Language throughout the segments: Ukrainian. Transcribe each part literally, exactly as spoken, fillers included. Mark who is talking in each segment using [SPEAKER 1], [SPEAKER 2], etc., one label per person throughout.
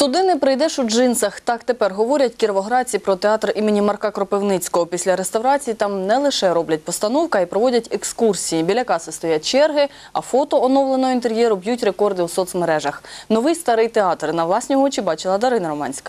[SPEAKER 1] Туди не прийдеш у джинсах. Так тепер говорять кіровоградці про театр імені Марка Кропивницького. Після реставрації там не лише роблять постановки, а й проводять екскурсії. Біля каси стоять черги, а фото оновленого інтер'єру б'ють рекорди у соцмережах. Новий старий театр на власні очі бачила Дарина Романська.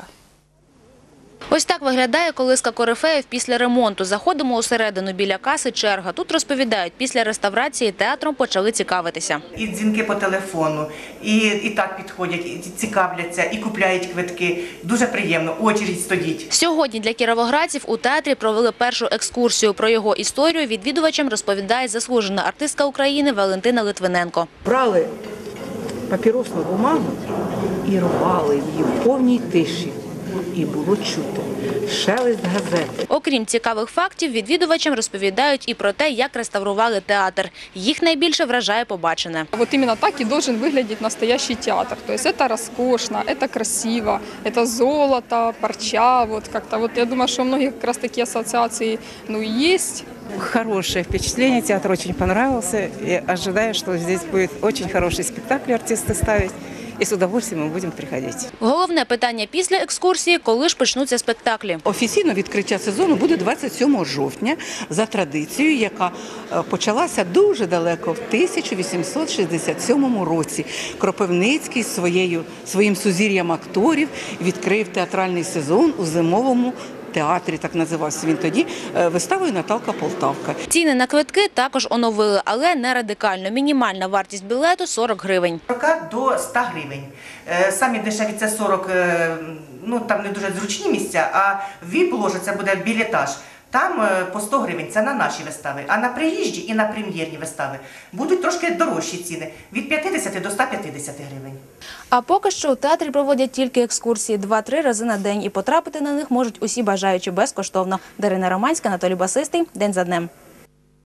[SPEAKER 2] Ось так виглядає колиска корифеїв після ремонту. Заходимо усередину, біля каси черга. Тут розповідають, після реставрації театром почали цікавитися.
[SPEAKER 3] І дзвінки по телефону, і, і так підходять, і цікавляться, і купляють квитки. Дуже приємно, очередь стоїть.
[SPEAKER 2] Сьогодні для кіровоградців у театрі провели першу екскурсію. Про його історію відвідувачам розповідає заслужена артистка України Валентина Литвиненко.
[SPEAKER 4] Брали папіросну бумагу і рвали її в повній тиші. І було чути шелест газети.
[SPEAKER 2] Окрім цікавих фактів, відвідувачам розповідають і про те, як реставрували театр. Їх найбільше вражає побачене.
[SPEAKER 5] Вот именно так и должен выглядеть настоящий театр. То есть это роскошно, это красиво, это золото, парча. Вот как-то вот я думаю, что у многих как раз такие ассоциации ну есть.
[SPEAKER 6] Хорошее впечатление, театр очень понравился. Я ожидаю, что здесь будет очень хороший спектакль артисты ставить. І з удовольствием ми будемо приходити.
[SPEAKER 2] Головне питання після екскурсії – коли ж почнуться спектаклі.
[SPEAKER 7] Офіційно відкриття сезону буде двадцять сьомого жовтня за традицією, яка почалася дуже далеко, в тисяча вісімсот шістдесят сьомому році. Кропивницький своєю, своїм сузір'ям акторів відкрив театральний сезон у зимовому театрі, так називався він тоді, виставою «Наталка Полтавка».
[SPEAKER 2] Ціни на квитки також оновили, але не радикально. Мінімальна вартість білету – сорок гривень.
[SPEAKER 3] сорок до ста гривень. Самі дешеві це сорок, ну там не дуже зручні місця, а віп-ложа це буде білетаж. Там по сто гривень, це на наші вистави, а на приїжджі і на прем'єрні вистави будуть трошки дорожчі ціни, від п'ятдесяти до ста п'ятдесяти гривень.
[SPEAKER 2] А поки що у театрі проводять тільки екскурсії два-три рази на день, і потрапити на них можуть усі бажаючі безкоштовно. Дарина Романська, Анатолій Басистий. День за днем.